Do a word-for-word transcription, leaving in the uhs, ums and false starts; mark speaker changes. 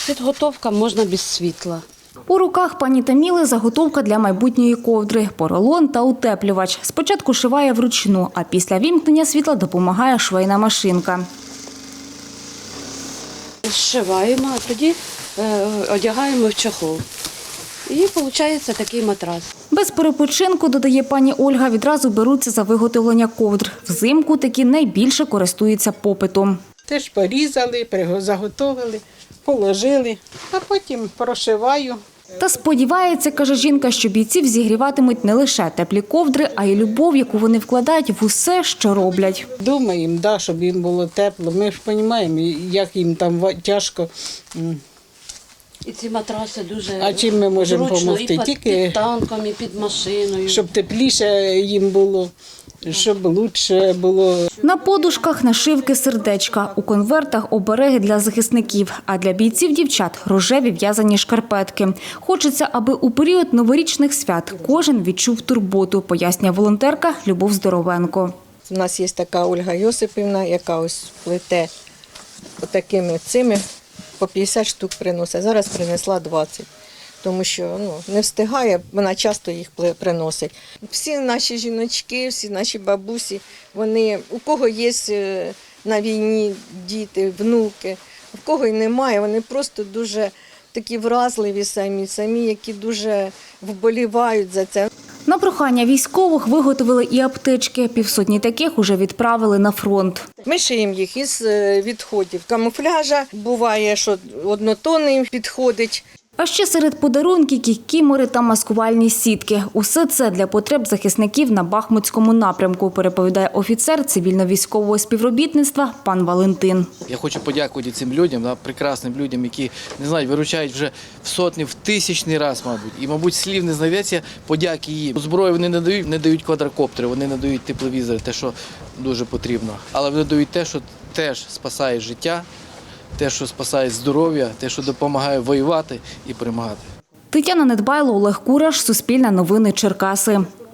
Speaker 1: Підготовка можна без світла.
Speaker 2: У руках пані Таміли заготовка для майбутньої ковдри, поролон та утеплювач. Спочатку шиває вручну, а після вімкнення світла допомагає швейна машинка.
Speaker 1: Зшиваємо, а тоді е, одягаємо в чохол. І виходить такий матрас.
Speaker 2: Без перепочинку, додає пані Ольга, відразу беруться за виготовлення ковдр. Взимку такі найбільше користуються попитом.
Speaker 3: Теж порізали, заготовили, положили, а потім прошиваю.
Speaker 2: Та сподівається, каже жінка, що бійців зігріватимуть не лише теплі ковдри, а й любов, яку вони вкладають в усе, що роблять.
Speaker 3: Думаємо, да, щоб їм було тепло. Ми ж розуміємо, як їм там тяжко.
Speaker 1: І ці матраси дуже
Speaker 3: А чим ми можемо
Speaker 1: зручно,
Speaker 3: допомогти?
Speaker 1: і під,
Speaker 3: Тільки
Speaker 1: під танком, і під машиною.
Speaker 3: щоб тепліше їм було, щоб краще було.
Speaker 2: На подушках нашивки сердечка, у конвертах обереги для захисників, а для бійців-дівчат – рожеві в'язані шкарпетки. Хочеться, аби у період новорічних свят кожен відчув турботу, пояснює волонтерка Любов Здоровенко.
Speaker 4: У нас є така Ольга Йосипівна, яка ось плете отакими цими, по п'ятдесят штук приносить. Зараз принесла двадцять, тому що ну, не встигає, вона часто їх приносить. Всі наші жіночки, всі наші бабусі, вони, у кого є на війні діти, внуки, у кого й немає, вони просто дуже такі вразливі самі, самі, які дуже вболівають за це.
Speaker 2: На прохання військових виготовили і аптечки. Півсотні таких уже відправили на фронт.
Speaker 4: Ми шиємо їх із відходів камуфляжа. Буває, що однотонний підходить.
Speaker 2: А ще серед подарунків – кікімори та маскувальні сітки. Усе це для потреб захисників на Бахмутському напрямку, переповідає офіцер цивільно-військового співробітництва пан Валентин.
Speaker 5: Я хочу подякувати цим людям, да, прекрасним людям, які, не знаю, виручають вже в сотні, в тисячний раз, мабуть. І, мабуть, слів не знайдеться подяки їм. Зброю вони не дають, не дають квадрокоптери, вони не дають тепловізори, те, що дуже потрібно. Але вони дають те, що теж спасає життя, те, що спасає здоров'я, те, що допомагає воювати і перемагати.
Speaker 2: Тетяна Недбайло, Олег Кураш, Суспільне новини, Черкаси.